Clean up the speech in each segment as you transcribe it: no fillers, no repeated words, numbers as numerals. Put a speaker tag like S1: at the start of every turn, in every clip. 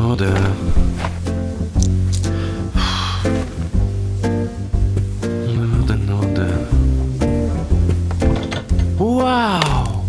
S1: Nudy. Nudy. Wow!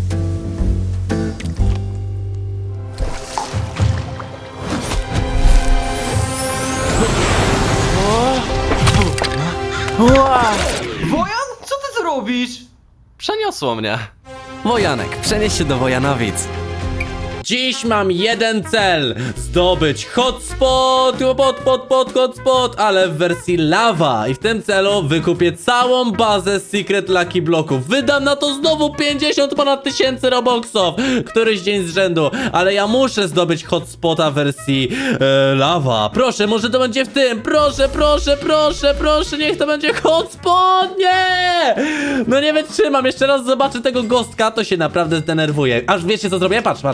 S2: Wojan, co ty tu robisz?
S1: Przeniosło mnie. Wojanek, przenieś się do Wojanowic.
S3: Dziś mam jeden cel: zdobyć hotspot, hotspot, ale w wersji lawa. I w tym celu wykupię całą bazę Secret Lucky Blocków. Wydam na to znowu 50 ponad tysięcy robuxów, któryś dzień z rzędu. Ale ja muszę zdobyć hotspota w wersji lawa. Proszę, może to będzie w tym. Proszę, niech to będzie hotspot. Nie! No nie wytrzymam, jeszcze raz zobaczę tego gostka, to się naprawdę zdenerwuję. Aż wiecie co zrobię? Patrz.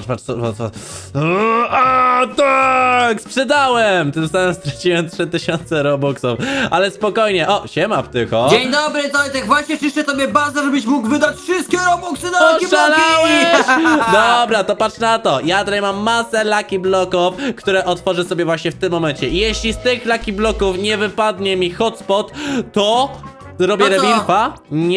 S3: A, tak! Sprzedałem! Tym samym straciłem 3000 robuxów. Ale spokojnie. O, siema ptycho.
S2: Dzień dobry, Tojtek, właśnie czyszczę tobie bazę, żebyś mógł wydać wszystkie robuxy na Lucky Bloki!
S3: Oszalałeś! Dobra, to patrz na to. Ja tutaj mam masę Lucky Bloków, które otworzę sobie właśnie w tym momencie. I jeśli z tych Lucky Bloków nie wypadnie mi hotspot, to robię
S2: No co?
S3: rebirfa.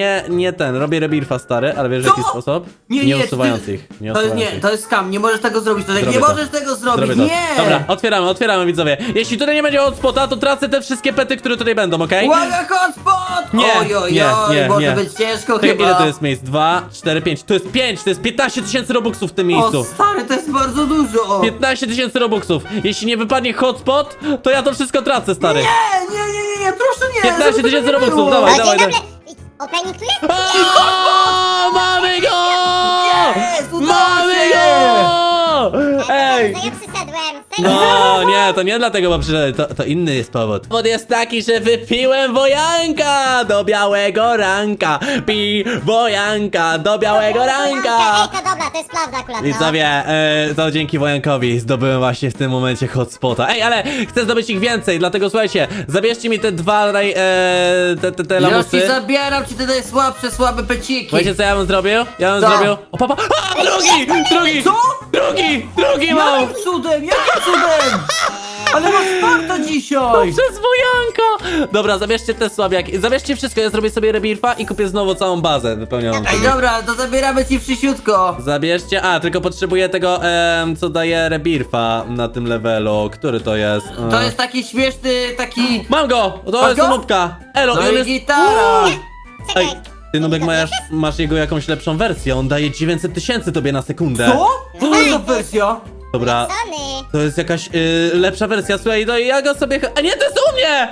S3: Robię rebirfa, stary, ale wiesz w jaki
S2: Co?
S3: sposób?
S2: Nie,
S3: usuwając
S2: ty-
S3: ich. Nie
S2: To jest,
S3: usuwając
S2: nie,
S3: ich.
S2: to jest skam, nie możesz tego zrobić, Tojtek,
S3: Zrobię
S2: nie
S3: to.
S2: możesz tego zrobić,
S3: Zrobię to.
S2: nie!
S3: Dobra, otwieramy widzowie. Jeśli tutaj nie będzie hotspota, to tracę te wszystkie pety, które tutaj będą, okej?
S2: Uwaga, hotspot!
S3: Nie,
S2: Oj,
S3: nie,
S2: może
S3: nie.
S2: być ciężko
S3: Czekaj,
S2: chyba.
S3: ile to jest miejsc? 2, 4, 5. To jest 5, to jest 15 tysięcy robuxów w tym miejscu.
S2: O stary, to jest bardzo dużo!
S3: 15 tysięcy robuxów. Jeśli nie wypadnie hotspot, to ja to wszystko tracę, stary.
S2: Nie, proszę nie!
S3: 15
S2: żeby to
S3: tysięcy
S2: nie
S3: robuxów,
S2: było.
S3: dawaj,
S4: O, dzień
S3: dawaj.
S4: dobry! Opening tu jest?
S3: O, mamy go!
S2: Jest, udało
S3: Mamy
S2: się!
S3: go! Ej!
S4: To ja przyszedłem.
S3: No, nie, to nie dlatego, bo przyszedłem, to inny jest powód. Powód jest taki, że wypiłem wojanka do białego ranka. Pi wojanka do białego ranka.
S4: Ej, to dobra, to jest prawda akurat, no.
S3: Widzowie, to dzięki wojankowi zdobyłem właśnie w tym momencie hotspota. Ej, ale chcę zdobyć ich więcej, dlatego słuchajcie, zabierzcie mi te dwa te
S2: Ja
S3: lamusy.
S2: ci zabieram ci te najsłabsze, słabe peciki!
S3: Wiecie co ja bym zrobił? Ja bym
S2: Co?
S3: zrobił... O, papa! A, drugi!
S2: Co?
S3: Drugi mam!
S2: Jakim cudem, jakim cudem? Ale masz farta dzisiaj!
S3: Przez wojanka! Dobra, zabierzcie te słabiaki. Zabierzcie wszystko, ja zrobię sobie rebirfa i kupię znowu całą bazę wypełnioną.
S2: Ej, dobra, to zabieramy ci przysiutko!
S3: Zabierzcie, tylko potrzebuję tego, co daje rebirfa na tym levelu. Który to jest?
S2: To jest taki śmieszny, taki...
S3: Mam go! To
S2: Masz
S3: jest
S2: go?
S3: nubka! Elo,
S2: No
S3: i on
S2: i
S3: jest...
S2: gitara!
S3: Ej,
S4: Czekaj.
S3: ty nubek masz jego jakąś lepszą wersję, on daje 900 tysięcy tobie na sekundę.
S2: Co? Co to jest za wersja?
S3: Dobra,
S4: Sony.
S3: to jest jakaś lepsza wersja, słuchaj, no i ja go sobie... A nie, to jest u mnie!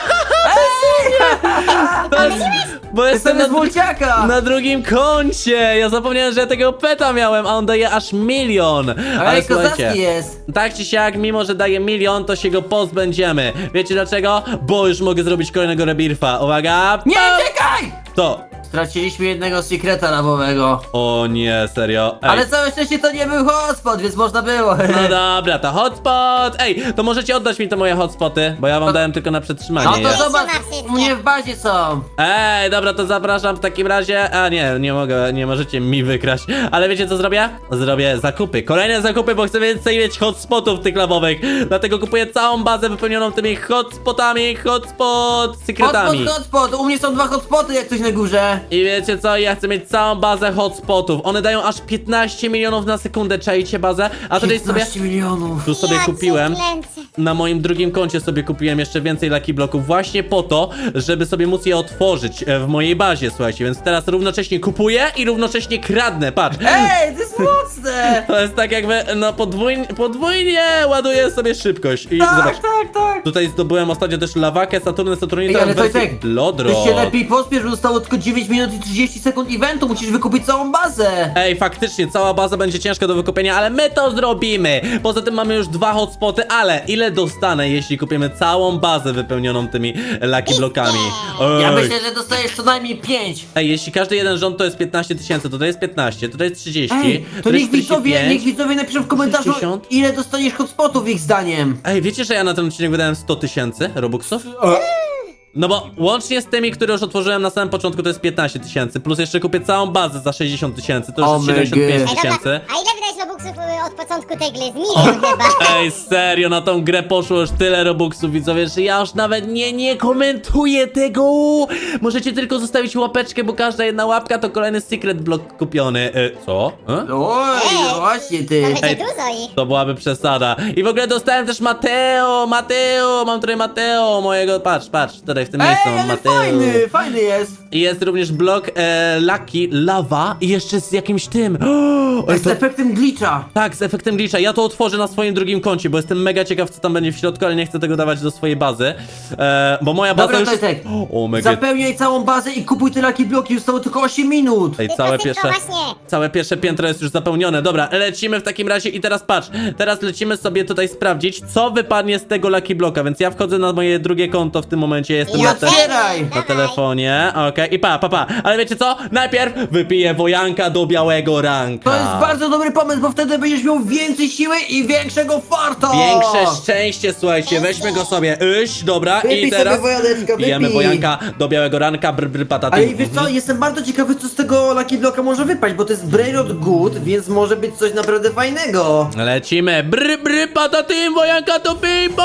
S3: To jest... Bo jestem
S2: Jestem z mulciaka!
S3: na drugim koncie! Ja zapomniałem, że ja tego peta miałem, a on daje aż 1 000 000.
S2: Ej, kozacki jest!
S3: tak czy siak, mimo że daje 1 000 000, to się go pozbędziemy. Wiecie dlaczego? Bo już mogę zrobić kolejnego rebirfa. Uwaga!
S2: Nie, czekaj!
S3: To!
S2: Straciliśmy jednego sekreta labowego.
S3: O nie, serio. Ej.
S2: Ale całe szczęście to nie był hotspot, więc można było.
S3: No dobra, to hotspot! Ej, to możecie oddać mi te moje hotspoty, bo ja wam dałem tylko na przetrzymanie.
S2: No to
S3: je.
S2: zobacz,
S4: Trzyma wszystkie.
S2: u mnie w bazie są.
S3: Ej, dobra, to zapraszam w takim razie. A nie mogę, nie możecie mi wykraść. Ale wiecie co zrobię? Zrobię zakupy. Kolejne zakupy, bo chcę więcej mieć hotspotów tych lawowych. Dlatego kupuję całą bazę wypełnioną tymi hotspotami, secretami.
S2: Hotspot, u mnie są 2 hotspoty jak coś na górze.
S3: I wiecie co? Ja chcę mieć całą bazę hotspotów. One dają aż 15 milionów na sekundę. Czajcie bazę? A tutaj sobie...
S2: 15 milionów.
S3: Tu sobie
S4: Ja cię
S3: kupiłem.
S4: kręcę.
S3: Na moim drugim koncie sobie kupiłem jeszcze więcej Lucky Bloków właśnie po to, żeby sobie móc je otworzyć w mojej bazie, słuchajcie, więc teraz równocześnie kupuję i równocześnie kradnę, patrz.
S2: Ej, to jest mocne!
S3: To jest tak jakby, no podwójnie ładuję sobie szybkość i zobacz.
S2: Tak.
S3: Tutaj zdobyłem ostatnio też lawakę, Saturnita
S2: Ej, ale
S3: w wersji
S2: Tojtek,
S3: Lodro.
S2: ty się lepiej pospiesz, bo zostało tylko 9 minut i 30 sekund eventu, musisz wykupić całą bazę.
S3: Ej, faktycznie, cała baza będzie ciężka do wykupienia, ale my to zrobimy! Poza tym mamy już 2 hotspoty, ale ile dostanę, jeśli kupimy całą bazę wypełnioną tymi Lucky Blokami?
S2: Ja
S3: Ej.
S2: myślę, że dostajesz co najmniej 5.
S3: Ej, jeśli każdy jeden rząd to jest 15 tysięcy, to jest 15, to jest 30,
S2: Ej, to
S3: jest
S2: niech widzowie,
S3: 45.
S2: niech widzowie napiszą w komentarzu,
S3: 60.
S2: ile dostaniesz hotspotów ich zdaniem.
S3: Ej, wiecie, że ja na ten odcinek wydałem 100 tysięcy robuxów? No bo łącznie z tymi, które już otworzyłem na samym początku, to jest 15 000, plus jeszcze kupię całą bazę za 60 000, to już jest
S2: Oh my
S3: 75
S2: God.
S3: 000.
S4: A ile wydać robuxów od początku tej gry? Z milion chyba.
S3: Ej, serio, na tą grę poszło już tyle robuxów, widzowie, że ja już nawet nie komentuję tego. Możecie tylko zostawić łapeczkę, bo każda jedna łapka to kolejny secret block kupiony. Co?
S2: Oj, no właśnie ty.
S4: To będzie
S3: Ej.
S4: dużo ich.
S3: To byłaby przesada. I w ogóle dostałem też Mateo, mam tutaj Mateo, mojego, patrz, tutaj w tym miejscu mam
S2: Ale
S3: Mateo.
S2: fajny jest.
S3: I jest również blok Lucky Lava i jeszcze z jakimś tym. Oj,
S2: Z efektem glitcha.
S3: tak, z efektem glitcha. Ja to otworzę na swoim drugim koncie, bo jestem mega ciekaw, co tam będzie w środku, ale nie chcę tego dawać do swojej bazy. Bo moja baza
S2: Dobra,
S3: już...
S2: Tojtek.
S3: O, mega...
S2: Zapełniaj całą bazę i kupuj te Lucky Bloki, zostało tylko 8 minut.
S3: Ej,
S4: Szybko,
S3: całe
S4: szybko,
S3: pierwsze...
S4: właśnie.
S3: Całe pierwsze piętro jest już zapełnione. Dobra, lecimy w takim razie i teraz patrz. Teraz lecimy sobie tutaj sprawdzić, co wypadnie z tego Lucky Bloka, więc ja wchodzę na moje drugie konto w tym momencie. Jestem
S2: I
S3: na,
S2: otwieraj.
S3: na telefonie. Okej, i pa. Ale wiecie co? Najpierw wypiję wojanka do białego ranka.
S2: To jest bardzo dobry pomysł, bo wtedy będziesz miał więcej siły i większego farta.
S3: Większe szczęście, słuchajcie, weźmy go sobie. Dobra,
S2: Wypij
S3: i teraz
S2: sobie wojaneczko,
S3: pijemy
S2: wypij.
S3: wojanka do białego ranka, pataty.
S2: Ale wiesz co, jestem bardzo ciekawy, co z tego Lucky Bloka może wypaść, bo to jest Brainrot Good, więc może być coś naprawdę fajnego.
S3: Lecimy, pataty, wojanka to bimbo!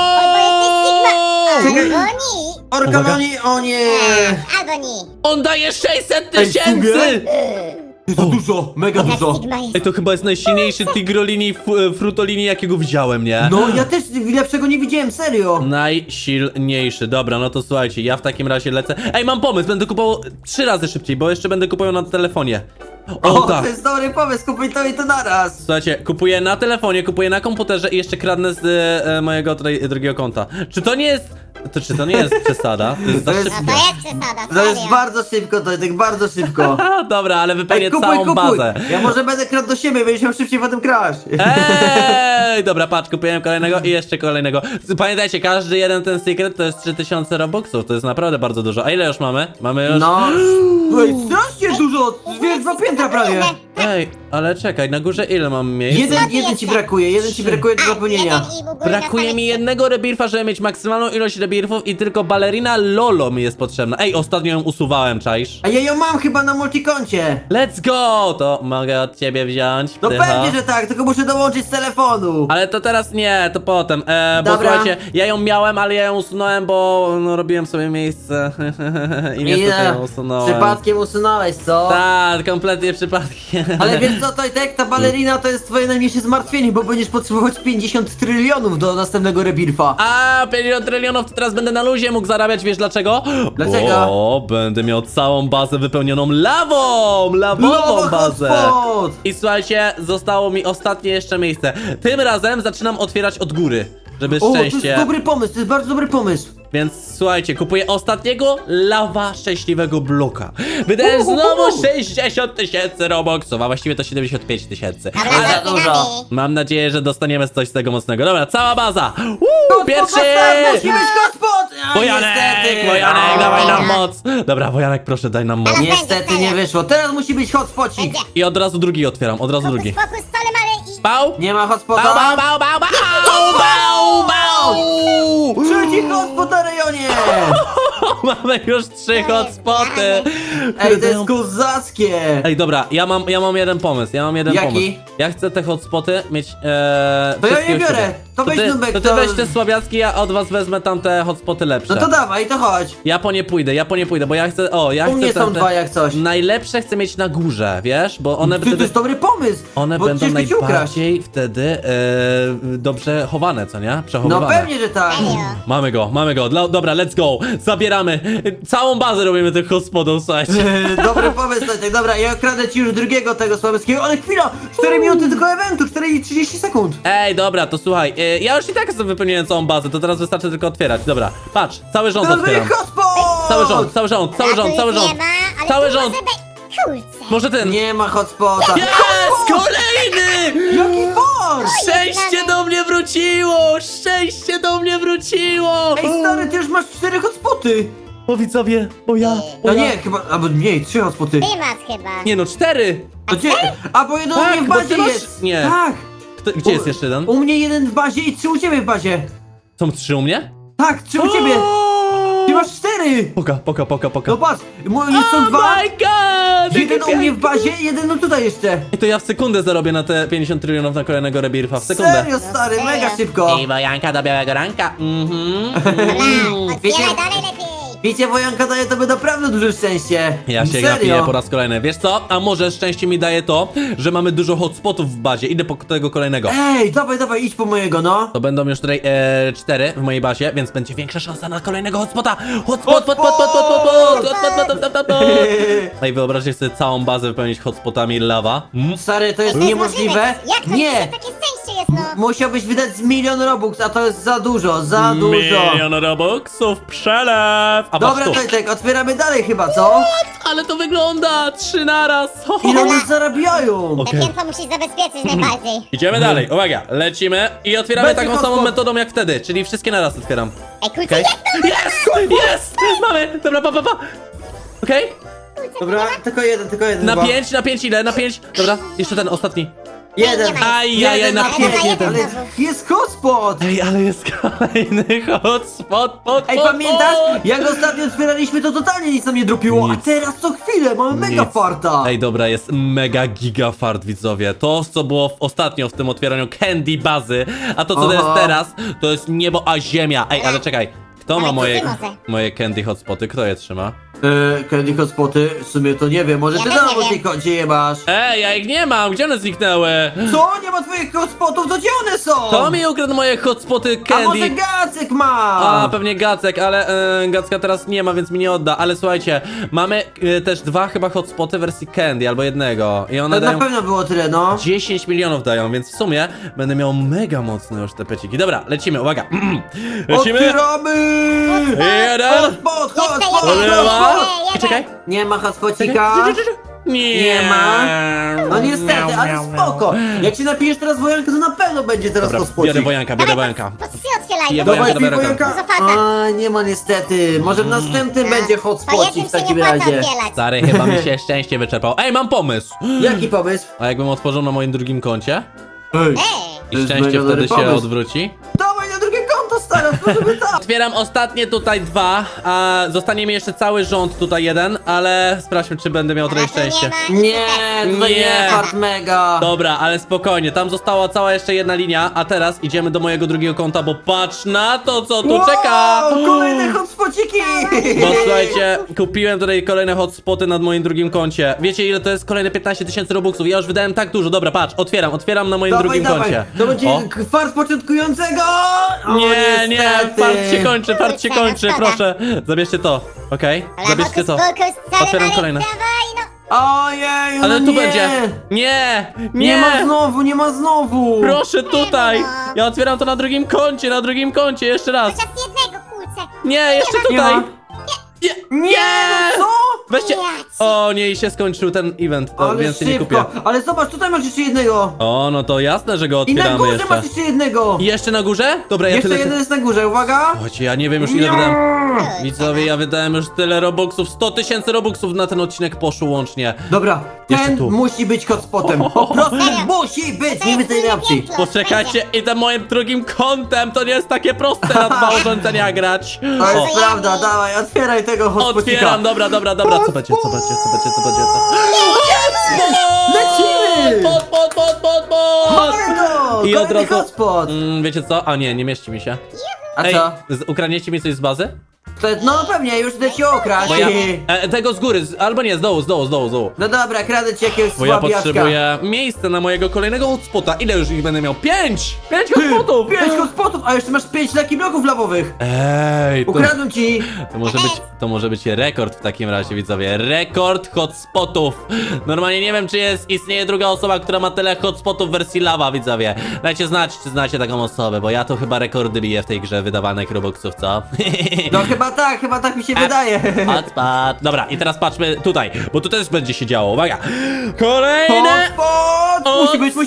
S4: Bo jesteś Sigma.
S2: Czekaj.
S4: Albo ni.
S2: Orkanoni, o nie!
S4: Albo ni.
S3: On daje 600
S2: Ej, w sumie?
S3: 000!
S2: Za dużo, mega
S4: Jaka
S2: dużo.
S4: Sigma jest.
S3: Ej, to chyba jest najsilniejszy tigrolini, frutolini, jakiego widziałem, nie?
S2: No, ja też lepszego nie widziałem, serio.
S3: Najsilniejszy. Dobra, no to słuchajcie, ja w takim razie lecę. Ej, mam pomysł, będę kupował 3 razy szybciej, bo jeszcze będę kupował na telefonie. O, tak.
S2: To jest dobry pomysł, kupuj to i to naraz.
S3: Słuchajcie, kupuję na telefonie, kupuję na komputerze i jeszcze kradnę z mojego tutaj drugiego konta. Czy to nie jest przesada? To jest za
S2: To jest-
S3: szybko.
S4: No to jest przesada,
S2: To jest
S4: serio.
S2: bardzo szybko, to tak bardzo szybko.
S3: Dobra, ale wypełnię
S2: Ej, kupuj,
S3: całą
S2: kupuj.
S3: bazę.
S2: Ja może będę kradł do siebie, będziesz miał szybciej potem kraść.
S3: Ej, dobra, patrz, kupiłem kolejnego i jeszcze kolejnego. Pamiętajcie, każdy jeden ten secret to jest 3000 robuxów, to jest naprawdę bardzo dużo. A ile już mamy? Mamy już...
S2: No, ej, strasznie dużo, wiesz, 2 piętra prawie.
S3: Ej, ale czekaj, na górze ile mam miejsc?
S2: Jeden ci brakuje, jeden ci brakuje do zapełnienia.
S4: Jeden i u góry na
S3: Brakuje
S4: samej
S3: mi
S4: trzy.
S3: jednego rebirfa, żeby mieć maksymalną ilość rebirfów i tylko balerina Lolo mi jest potrzebna. Ej, ostatnio ją usuwałem, czaisz?
S2: A ja ją mam chyba na multikoncie.
S3: Let's go! To mogę od ciebie wziąć.
S2: No
S3: Tycho.
S2: pewnie, że tak, tylko muszę dołączyć z telefonu.
S3: Ale to teraz nie, to potem. Bo
S2: Dobra.
S3: słuchajcie, ja ją miałem, ale ja ją usunąłem, bo no, robiłem sobie miejsce i niestety ją usunąłem.
S2: Przypadkiem usunąłeś, co?
S3: Tak, kompletnie przypadkiem.
S2: Ale wiesz co, Tojtek, ta balerina to jest twoje najmniejsze zmartwienie, bo będziesz potrzebować 50 trylionów do następnego rebirfa.
S3: A 50 trylionów to teraz będę na luzie mógł zarabiać, wiesz dlaczego?
S2: Dlaczego?
S3: O, będę miał całą bazę wypełnioną lawą! Lawową
S2: Lowa
S3: bazę!
S2: hotspot!
S3: I słuchajcie, zostało mi ostatnie jeszcze miejsce. Tym razem zaczynam otwierać od góry, żeby
S2: O, to
S3: szczęście.
S2: jest dobry pomysł, to jest bardzo dobry pomysł.
S3: Więc słuchajcie, kupuję ostatniego lawa szczęśliwego bloka. Wydałem znowu 60 000 robuxów, a właściwie to 75 000.
S4: Dobra,
S2: Ale
S4: zaczynamy.
S2: dużo.
S3: Mam nadzieję, że dostaniemy coś z tego mocnego. Dobra, cała baza! Pierwszy!
S2: Musi być hotspot! A,
S3: Wojanek,
S2: niestety.
S3: Wojanek,
S2: O.
S3: dawaj nam moc! Dobra, Wojanek, proszę, daj nam moc.
S2: Niestety nie wyszło, teraz musi być hotspocik.
S4: Będzie.
S3: I od razu drugi otwieram, od razu drugi.
S4: Fokus, solem, ale i...
S3: Pał!
S2: Nie ma
S3: Bał,
S2: hotspota.
S3: bał, bał, bał, bał, bał, bał!
S2: Trzeci hotspot na rejonie!
S3: Mamy już 3 hotspoty!
S2: Ej, to jest kozackie!
S3: Ej, dobra, ja mam jeden pomysł,
S2: Jaki?
S3: pomysł. Ja chcę te hotspoty mieć,
S2: To ja
S3: wszystkie
S2: nie
S3: u
S2: biorę.
S3: siebie.
S2: To weź, Nubek,
S3: to ty
S2: to-
S3: weź te słabiacki, ja od was wezmę tamte hotspoty lepsze.
S2: No to dawaj, to chodź.
S3: Ja po nie pójdę, bo ja chcę, ja
S2: U
S3: chcę
S2: mnie są
S3: tamte-
S2: dwa jak coś.
S3: Najlepsze chcę mieć na górze, wiesz, bo one
S2: Ty, to
S3: wtedy...
S2: jest dobry pomysł!
S3: One
S2: bo
S3: będą
S2: ciężko ci ukraść.
S3: najbardziej wtedy dobrze chowane, co nie?
S2: No
S3: Przechowywane.
S2: pewnie, że tak.
S4: Serio.
S3: Mamy go. Dobra, let's go. Zabieramy. Całą bazę robimy tych hospodów, słuchajcie.
S2: Dobry pomysł, Tojtek. Dobra, ja kradę ci już drugiego tego słabeckiego, ale chwila! 4 minuty tylko eventu, 4 i 30 sekund.
S3: Ej, dobra, to słuchaj. Ja już i tak sobie wypełniłem całą bazę, to teraz wystarczy tylko otwierać. Dobra, patrz, cały rząd
S2: Teraz
S3: otwieram.
S2: będzie hotspot!
S3: Cały rząd.
S4: A tu już nie ma, ale
S3: Cały
S4: tu
S3: rząd.
S4: może być... Kurczę.
S3: Może ten.
S2: Nie ma hotspota.
S3: Jest! Kolejny!
S2: Jaki fort!
S3: Szczęście do mnie wróciło! Szczęście do mnie wróciło!
S2: Ej, stary, ty już masz 4 hotspoty.
S3: O widzowie, o ja.
S2: No nie, chyba, albo mniej, 3 hotspoty.
S4: Ty masz chyba.
S3: Nie no, 4!
S2: To gdzie? A bo jeden
S3: Tak,
S2: u mnie w
S3: bo
S2: bazie
S3: ty masz-
S2: jest.
S3: nie.
S2: Tak.
S3: Gdzie jest jeszcze jeden?
S2: U mnie jeden w bazie i 3 u ciebie w bazie.
S3: Są 3 u mnie?
S2: Tak, 3 u ciebie. Ty masz 4. 4!
S3: Poka.
S2: No patrz, są dwa.
S3: Oh my god!
S2: Jeden u mnie w bazie, jeden no tutaj jeszcze.
S3: I to ja w sekundę zarobię na te 50 trylionów na kolejnego rebirfa. W sekundę.
S2: Serio, stary,
S4: No
S2: mega
S4: serio.
S2: szybko.
S3: I wojanka do białego ranka.
S4: Dobra, otwieraj dalej lepiej.
S2: Wiecie, wojanka daje tobie naprawdę duże szczęście.
S3: Ja się
S2: Serio.
S3: gapię po raz kolejny. Wiesz co? A może szczęście mi daje to, że mamy dużo hotspotów w bazie. Idę po tego kolejnego.
S2: Ej, dawaj, idź po mojego, no.
S3: To będą już tutaj 4 w mojej bazie, więc będzie większa szansa na kolejnego hotspota. Hotspot. Ej, wyobraźcie sobie całą bazę wypełnić hotspotami lawa.
S2: Stary, to jest
S4: To jest
S2: niemożliwe.
S4: możliwe. Jak to
S2: Nie,
S4: takie szczęście jest, no?
S2: musiałbyś wydać z 1 000 000 Robux, a to jest za dużo, za dużo.
S3: Milion robuxów, przelew. A
S2: Dobra,
S3: patrz tu.
S2: Tojtek, otwieramy dalej chyba, co?
S3: Ale to wygląda 3 naraz.
S2: Ile one zarabiają?
S4: Te
S3: Okej.
S4: piętro musisz zabezpieczyć najbardziej.
S3: Idziemy dalej, uwaga, lecimy i otwieramy
S2: Będzie
S3: taką
S2: hotspot.
S3: samą metodą jak wtedy, czyli wszystkie naraz otwieram.
S4: Ej, kurczę,
S3: Okej? Jest! Mamy! Dobra, pa. Okej?
S2: Dobra, tylko jeden
S3: Na
S2: chyba.
S3: 5, na 5 ile? Na 5? Dobra, jeszcze ten ostatni.
S2: Jeden.
S4: Nie ma.
S3: Ajajaj,
S2: Jeden
S3: na
S2: na
S3: 5
S2: 5,
S3: jeden.
S2: ale jest hotspot.
S3: Ej, ale jest kolejny hotspot.
S2: Ej, pamiętasz? Jak ostatnio otwieraliśmy, to totalnie nic nam nie dropiło, a
S3: Nic.
S2: teraz co chwilę mamy mega
S3: Nic.
S2: farta.
S3: Ej, dobra, jest mega giga fart, widzowie. To, co było ostatnio w tym otwieraniu candy bazy, a to, co to jest
S2: Aha.
S3: teraz, to jest niebo a ziemia. Ej, ale czekaj. Kto ma
S4: Ale
S3: moje,
S4: ty może.
S3: moje candy hotspoty? Kto je trzyma?
S2: Candy hotspoty, w sumie to nie wiem, może
S4: Ja
S2: ty
S4: też
S2: na
S4: nie wiem.
S2: tej koncie je masz.
S3: Ej, ja ich nie mam, gdzie one zniknęły?
S2: Co? Nie ma twoich hotspotów, to gdzie one są?
S3: To mi ukradł moje hotspoty
S2: A może
S3: candy.
S2: Gacek ma?
S3: A, pewnie Gacek, ale Gacka teraz nie ma, więc mi nie odda. Ale słuchajcie, mamy też 2 chyba hotspoty wersji candy, albo jednego. I one
S2: To na
S3: dają
S2: pewno było tyle, no.
S3: 10 milionów dają, więc w sumie będę miał mega mocne już te peciki. Dobra, lecimy, uwaga. Lecimy.
S2: Otwieramy!
S3: Jeden.
S2: Hotspot, hotspot,
S3: Lewa.
S2: hotspot!
S3: Czekaj.
S2: Nie ma hotspocika.
S3: Nie.
S2: Nie ma. No niestety, ale spoko. Jak się napijesz teraz wojankę, to na pewno będzie teraz
S3: Dobra,
S2: hotspocik.
S3: biorę wojanka, biorę wojanka.
S4: Po 3 otwieraj.
S3: Ja
S4: bo-
S3: wojanka,
S2: Dawaj,
S3: dobra,
S2: wojanka.
S4: Dużo farta.
S2: A, nie ma niestety. Może w następnym będzie
S4: Po
S2: hotspocik
S4: jednym
S2: w
S4: się nie
S2: takim
S4: płaca
S2: razie.
S4: otwierać.
S3: Stary, chyba mi się szczęście wyczerpał. Ej, mam pomysł.
S2: Jaki pomysł?
S3: A jakbym otworzył na moim drugim koncie
S2: Ej,
S4: Ej,
S3: i
S2: To jest
S3: szczęście
S2: mega dobry
S3: wtedy się
S2: pomysł.
S3: odwróci?
S2: dawaj na drugie konto, stara, możemy tak.
S3: Otwieram ostatnie tutaj 2, a zostanie mi jeszcze cały rząd tutaj jeden, ale sprawdźmy, czy będę miał trochę
S4: ale tu
S3: szczęście.
S2: Nie, tutaj
S3: Nie.
S2: nie, fart mega.
S3: Dobra, ale spokojnie, tam została cała jeszcze jedna linia, a teraz idziemy do mojego drugiego konta, bo patrz na to, co tu
S2: Wow,
S3: czeka!
S2: kolejne hotspociki.
S3: Bo słuchajcie, kupiłem tutaj kolejne hotspoty nad moim drugim koncie. Wiecie ile to jest? Kolejne 15 000 robuxów. Ja już wydałem tak dużo. Dobra, patrz, otwieram na moim drugim koncie.
S2: To będzie
S3: O.
S2: fart początkującego. O,
S3: Nie, nie,
S2: niestety.
S3: fart się kończy,
S4: Szkoda.
S3: proszę. Zabierzcie to, okej? Zabierzcie to. Otwieram kolejne.
S4: Dawaj, no.
S2: Ojej, no
S3: Ale tu
S2: nie.
S3: będzie. Nie,
S2: Nie ma znowu.
S3: Proszę tutaj.
S4: no.
S3: Ja otwieram to na drugim koncie, jeszcze raz.
S4: Chociaż jednego, kurczę.
S3: Nie, jeszcze
S2: Nie
S3: tutaj.
S2: ma. Nie, no co?
S3: Weźcie.
S4: Nie.
S3: O nie, i się skończył ten event, to
S2: Ale
S3: więcej nie
S2: szybko.
S3: kupię.
S2: Ale zobacz, tutaj masz jeszcze jednego.
S3: O, no to jasne, że go
S2: I na
S3: otwieramy
S2: górze
S3: jeszcze.
S2: masz jeszcze jednego.
S3: I jeszcze na górze? Dobra, ja
S2: Jeszcze
S3: tyle...
S2: jeden jest na górze, uwaga.
S3: Słuchajcie, ja nie wiem już ile wydałem. Widzowie, ja wydałem już tyle robuxów. 100 000 robuxów na ten odcinek poszło łącznie.
S2: Dobra,
S3: Jeszcze
S2: ten
S3: tu.
S2: musi być hotspotem. Po prostu musi być, nie ma tej opcji.
S3: Poczekajcie, i tym moim drugim kątem to nie jest takie proste na 2 urządzenia grać.
S2: To
S3: O,
S2: jest prawda, dawaj, otwieraj tego hotspocika.
S3: otwieram, dobra. Co będzie?
S2: Lecimy!
S3: Pod!
S2: Mamy to!
S3: I od
S2: Kolejny
S3: razu...
S2: hotspot.
S3: Wiecie co? A nie mieści mi się.
S2: A
S3: Ej,
S2: co?
S3: ukradniecie mi coś z bazy?
S2: No pewnie, już idę ci okraść.
S3: Bo ja... tego z góry, albo nie, z dołu.
S2: No dobra, kradę ci jakiegoś
S3: Bo ja
S2: słabiaczka.
S3: potrzebuję miejsca na mojego kolejnego hotspota. Ile już ich będę miał? 5! 5 hotspotów!
S2: 5 hotspotów, a jeszcze masz 5 lucky bloków lawowych.
S3: Ej, to,
S2: Ukradłem ci.
S3: to może być rekord w takim razie, widzowie. Rekord hotspotów. Normalnie nie wiem, czy istnieje druga osoba, która ma tyle hotspotów w wersji lawa, widzowie. Dajcie znać, czy znacie taką osobę, bo ja to chyba rekordy biję w tej grze wydawanych robuxów, co?
S2: No chyba tak mi się wydaje.
S3: Hotspot. Dobra, i teraz patrzmy tutaj, bo tu też będzie się działo. Uwaga! Kolejne!
S2: Hotspot! Musi być.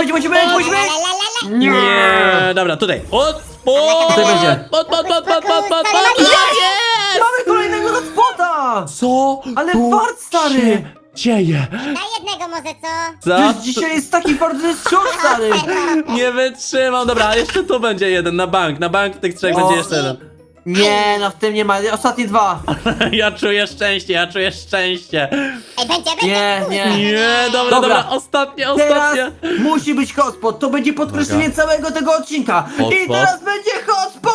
S3: Nie, dobra, tutaj. Hotspot!
S2: Tutaj będzie.
S3: Hotspot!
S2: Mamy kolejnego hotspota!
S3: Co?
S2: Ale
S3: tu
S2: fart, stary!
S3: się dzieje?
S4: Na jednego może, co?
S3: Co?
S2: Przecież dzisiaj jest taki fart, że jest szok, stary.
S3: Nie wytrzymam. Dobra, jeszcze tu będzie jeden na bank. Na bank tych trzech
S2: O.
S3: będzie jeszcze jeden.
S2: Nie, no w tym nie ma, ostatnie dwa.
S3: Ja czuję szczęście, ja czuję szczęście.
S4: Ej, będzie.
S2: Nie, nie.
S3: Nie, dobra,
S2: Dobra.
S3: ostatnie.
S2: Teraz musi być hotspot, to będzie podkreślenie całego tego odcinka. I
S3: Hotspot?
S2: teraz będzie hotspot!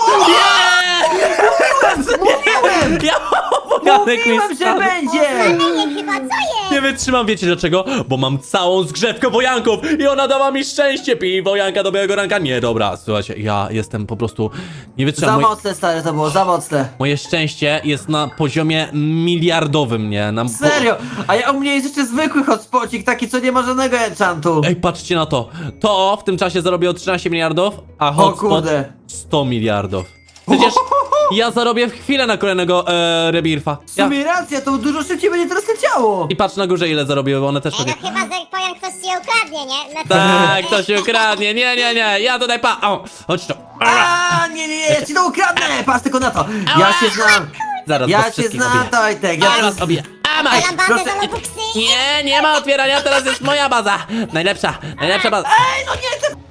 S2: Mówiłem!
S3: Ja Wojanek mi
S2: Mówiłem, że
S3: spadł.
S2: będzie!
S4: Nie, chyba, co jest?
S3: Nie wytrzymam, wiecie dlaczego? Bo mam całą zgrzewkę wojanków i ona dała mi szczęście. Pij wojanka do białego ranka. Nie, dobra, słuchajcie, ja jestem po prostu... Nie
S2: Za
S3: wytrzymam.
S2: mocne, stary, to było, za mocne.
S3: Moje szczęście jest na poziomie miliardowym, nie?
S2: Serio, a u mnie jest jeszcze zwykły hotspocik, taki co nie ma żadnego enchantu.
S3: Ej, patrzcie na to. To w tym czasie zarobiło 13 miliardów, a
S2: O
S3: hotspot
S2: kurde.
S3: 100 miliardów. Przecież ja zarobię w chwilę na kolejnego rebirfa.
S2: W sumie racja, to dużo szybciej będzie teraz leciało.
S3: I patrz na górze ile zarobiły, bo one też
S4: Ej, no
S3: pewnie...
S4: chyba, że powiem, ktoś ci je ukradnie, nie? No to...
S3: Tak, to się ukradnie. Nie, ja tutaj o, chodź tu.
S2: A, nie, ja ci to ukradnę, patrz tylko na to. Ja się znam,
S3: Zaraz
S2: ja
S3: was
S2: się
S3: wszystkich
S2: znam,
S3: obiję.
S2: Tojtek, ja
S3: Zaraz obiję. A, masz.
S4: Mam bazę
S2: proszę,
S4: za Lobuxy.
S3: Nie ma otwierania, teraz jest moja baza. Najlepsza baza.
S2: Ej, no nie, ty...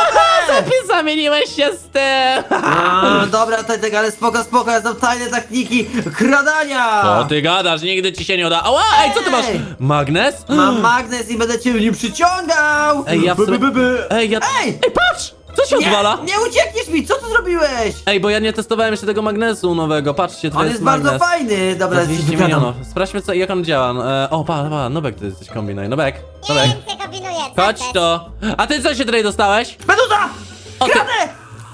S3: Ty zamieniłeś się z tym.
S2: A, dobra, Tojtek, ale spoko, ja znam tajne techniki kradania.
S3: Co ty gadasz, nigdy ci się nie uda. Ała, ej, co ty masz?
S2: Ej.
S3: Magnes?
S2: Mam magnes i będę cię nim przyciągał.
S3: Ej, ja w sumie... Ej,
S2: Ej!
S3: patrz! Co się odwala?
S2: Nie uciekniesz mi, co ty zrobiłeś?
S3: Ej, bo ja nie testowałem jeszcze tego magnesu nowego, patrzcie, to
S2: On
S3: jest
S2: jest bardzo
S3: magnes.
S2: fajny, dobra,
S3: Za
S2: ja ci
S3: 200
S2: wykradam.
S3: milionów. Sprawdźmy, jak on działa. O, pa, Nobek, ty jesteś kombinuj. Nobek.
S4: Nie wiem, co kombinuję. co
S3: Chodź
S4: chcesz?
S3: to. A ty co się tutaj dostałeś?
S2: Meduza!
S3: O, ty-
S2: Kradę!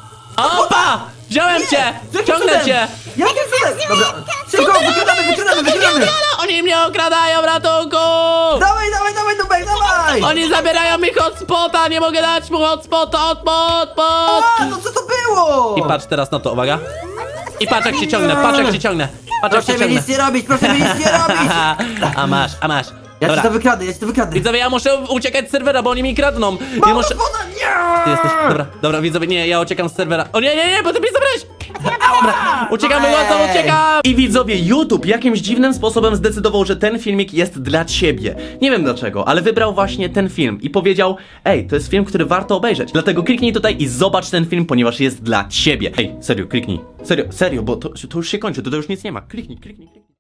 S3: Opa! Wziąłem cię!
S2: Jakim
S3: Ciągnę
S2: cudem?
S3: cię!
S2: Jakim cudem? Dobra, szybko, wykradamy!
S3: Oni mnie okradają, ratunku!
S2: Dawaj, Nubek, dawaj!
S3: Oni zabierają mi hotspota, nie mogę dać mu hotspota, hotspot!
S2: A, no co to było?
S3: I patrz teraz na to, uwaga. I patrz jak cię ciągnę, patrz jak cię ciągnę. Patrz jak cię
S2: Proszę mi
S3: ciągnę.
S2: nic nie robić, proszę mi nic nie robić!
S3: A masz.
S2: Ja ci
S3: Dobra.
S2: to wykradnę.
S3: Widzowie, ja muszę uciekać z serwera, bo oni mi kradną. Nie muszę...
S2: Woda, nie!
S3: Ty jesteś... Dobra, widzowie, nie, ja uciekam z serwera. O nie, bo ty mnie zabrałeś! Dobra, uciekamy, łatwo, uciekam!
S5: I widzowie, YouTube jakimś dziwnym sposobem zdecydował, że ten filmik jest dla ciebie. Nie wiem dlaczego, ale wybrał właśnie ten film i powiedział: ej, to jest film, który warto obejrzeć. Dlatego kliknij tutaj i zobacz ten film, ponieważ jest dla ciebie. Ej, serio, kliknij. Serio, bo to już się kończy, to już nic nie ma. Kliknij.